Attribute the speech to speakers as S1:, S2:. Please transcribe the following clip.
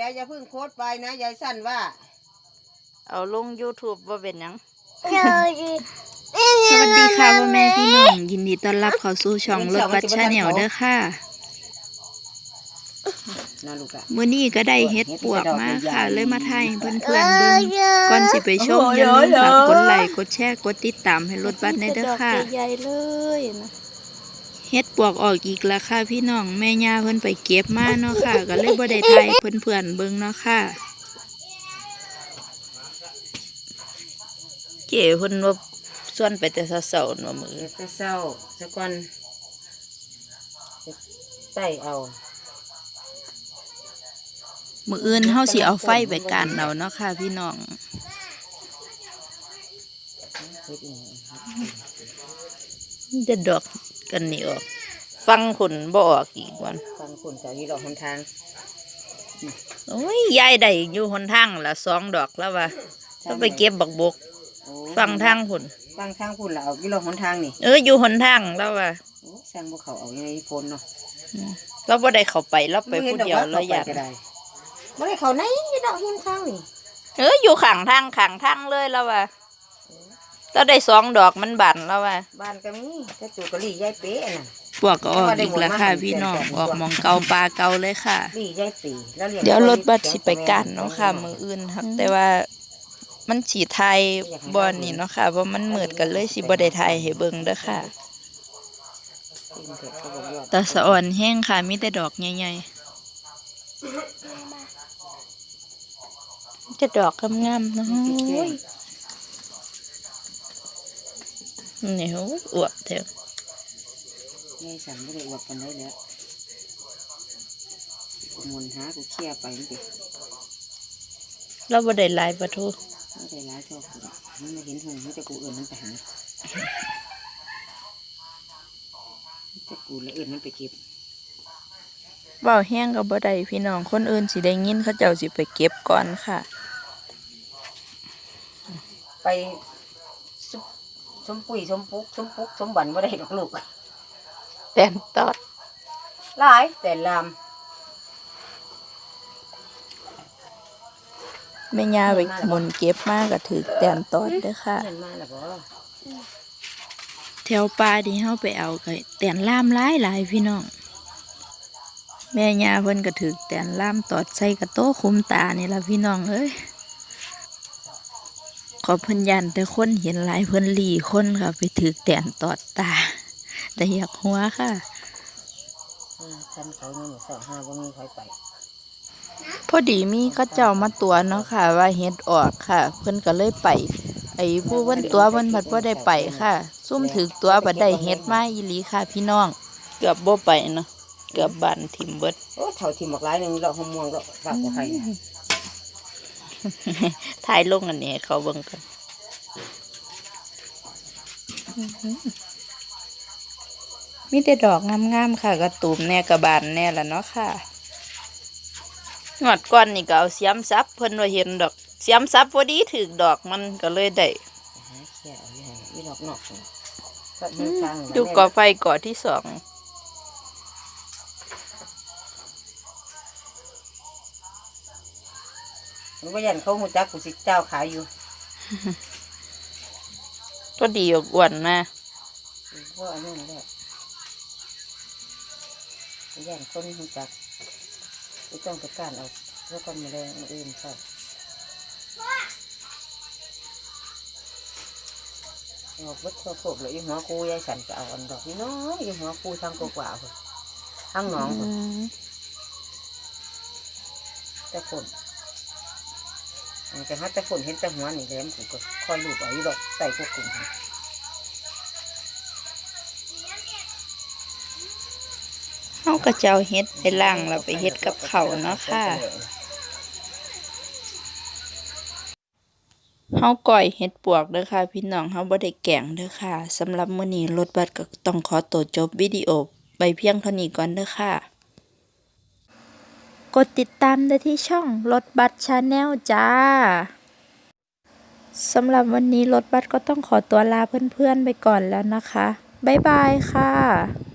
S1: แล้วอย่าเพิ่งโพสต์ไปนะยายสั้นว่า
S2: เอาลง YouTube ว่าเป็นหยังสวัสดีค่ะพ่อแม่พี่น้องยินดีต้อนรับเข้าสู่ช่องรถบัสชาแนลเด้อค่ะมื้อนี้ก็ได้เฮ็ดปวกมาค่ะเลยมาถ่ายให้เพื่อนๆเบิ่งก่อนสิไปชมอย่าลืมฝากกดไลค์กดแชร์กดติดตามให้รถบัสในเด้อค่ะใหญ่ๆเลยนะเฮ็ดปวกออกอีกแล้วค่ะพี่น้องแม่ย่าเพิ่นไปเก็บมาเนาะค่ะก็เลยบ่ได้ถ่ายเพื่อนๆเบิ่งเนาะค่ะเก๋เพิ่นว่าส่วนไปแต่เช้าๆว่ามื้อ
S1: แต่เช้าซะก่อนใส่เอา
S2: มื้ออื่นเฮาสิเอาไฟไปกันเอาเนาะค่ะพี่น้องจะดอกกันนี่ออกฟังผลบ่ออกอีกวัน
S1: ฟังผลจากที่ดอกหนทาง
S2: โอ้ยยายได้อยู่หนทางละ2 ดอกแล้วว่าต้องไปเก็บบักบกฟังทางผล
S1: ฟังทางผลแล้วเอาที่ดอกหนทางนี่
S2: อยู่หนทางแล้วว่า
S1: สร้างพวกเขาเอาในฝนเนาะ
S2: เราบ่ได้เข้าไปเราไปผู้เดียวเราอยาก
S1: บ่ได้เขาไหนดอกหินข้างนี่
S2: อยู่ข้างทางเลยแล้วว่าเราได้2 ดอกมันบานแล้วว่า
S1: บานก็มีแต่จูกะลี่ยายเป๊ะน่ะ
S2: พวกก็ออกอีกแล้วค่ะพี่น้องออกมองเก่าปลาเก่าเลยค่ะ
S1: ลี่ยายปี
S2: เดี๋ยวรถบัสสิไปกันเนาะค่ะมื้ออื่นครับแต่ว่ามันสิถ่ายบ่นี่เนาะค่ะเพราะมันมืดกันเลยสิบ่ได้ถ่ายให้เบิ่งเด้อค่ะตาสะอ่อนแห้งค่ะมีแต่ดอกใหญ่ๆจะดอกงามๆเนาะนี่โหอวบแท้
S1: ยายสั่นไม่ได้อวบกันได้แล้วมุนหากูเคลียร์ไปนี่
S2: เราบ่ได้หลายปะทู
S1: ไม่ได้หลายเท่ามันไม่เห็นหงมันจะกูอื่นมันไปหาจะกูแล้วอื่นมันไปเก็บ
S2: เบาแห้งกับบ่ได้พี่น้องคนอื่นสิได้ยินเขาเจ้าสิไปเก็บก่อนค่ะ
S1: ไปสมปุ๋ยสมปุ๊กสมบันบ่ได้ดอกลูก
S2: แต่นตอด
S1: หลายแต่ลำ
S2: แม่ย่าไปหมุนเก็บมากก็ถือแต่นตอดเด้อค่ะแถวป่าที่เฮาไปเอาก็แต่นล่ามหลายพี่น้องแม่ย่าเพิ่นก็ถือแต่นล่ามตอดใส่กระโต้คุมตานี่ล่ะพี่น้องเอ้ยขอเพิ่นยันแต่คนเห็นหลายเพิ่นหลีคนค่ะไปถือแต่นตอดตาแต่อยากหัวค่ะ
S1: ฉันเขาเนี่ยสองห้าว่ามีใครไป
S2: พอดีมีเขาเจ้ามาตัวเนาะค่ะว่าเฮ็ดออกค่ะเพิ่นก็เลยไปไอ้ผู้เพิ่นตัวเพิ่นผัดบ่ได้ไปค่ะซุ่มถือตัวบัดได้เฮ็ดมาอีหลีค่ะพี่น้องเกือบบ่ไปเนาะเกือบบ้านทิ่มเบิด
S1: โอ้เฒ่าทิ่มบักหลายนึงดอกหอมม่วงดอกฝากบ่ใคร
S2: ถ่ายลงอันนี้เขาเบิ่งกันมีแต่ดอกงามๆค่ะกระตูมแน่กระบานแน่ละเนาะค่ะงวดก่อนนี่ก็เอาเสียมซับเพิ่นว่าเห็นดอกเสียมซับพอดีถึกดอกมันก็เลยได้ดูก่อไฟก่อที่2
S1: มันก็ยันเขาหูจักกูสิเจ้าขายอยู่
S2: ก็ดีอ้วนนะ
S1: ว่าอันนี้แหละยันคนหูจักกูต้องไปการเอาแล้วก็มาแรงอื่นใช่เอาวัดโซ่เลยหัวกูยายสันจะเอาอันดอกน้อยหัวกูทางกว่าทางหนองแต่ฝนแต่ถ้าแต่ฝนเห็นแต่หัวนี่แหลมกูก็คอยลูบเอาอยู่ดอกใส่พวกกลุ่ม
S2: เฮาก็จะเอาเฮ็ดไปล้างแล้วไปเฮ็ดกับข้าวเนาะค่ะเฮาก้อยเฮ็ดปวกเด้อค่ะพี่น้องเฮาบ่ได้แกงเด้อค่ะสำหรับมื้อนี้รถบัสก็ต้องขอตัวจบวิดีโอไปเพียงเท่านี้ก่อนเด้อค่ะกดติดตามได้ที่ช่องรถบัสชาแนลจ้าสำหรับวันนี้รถบัสก็ต้องขอตัวลาเพื่อนๆไปก่อนแล้วนะคะบ๊ายบายค่ะ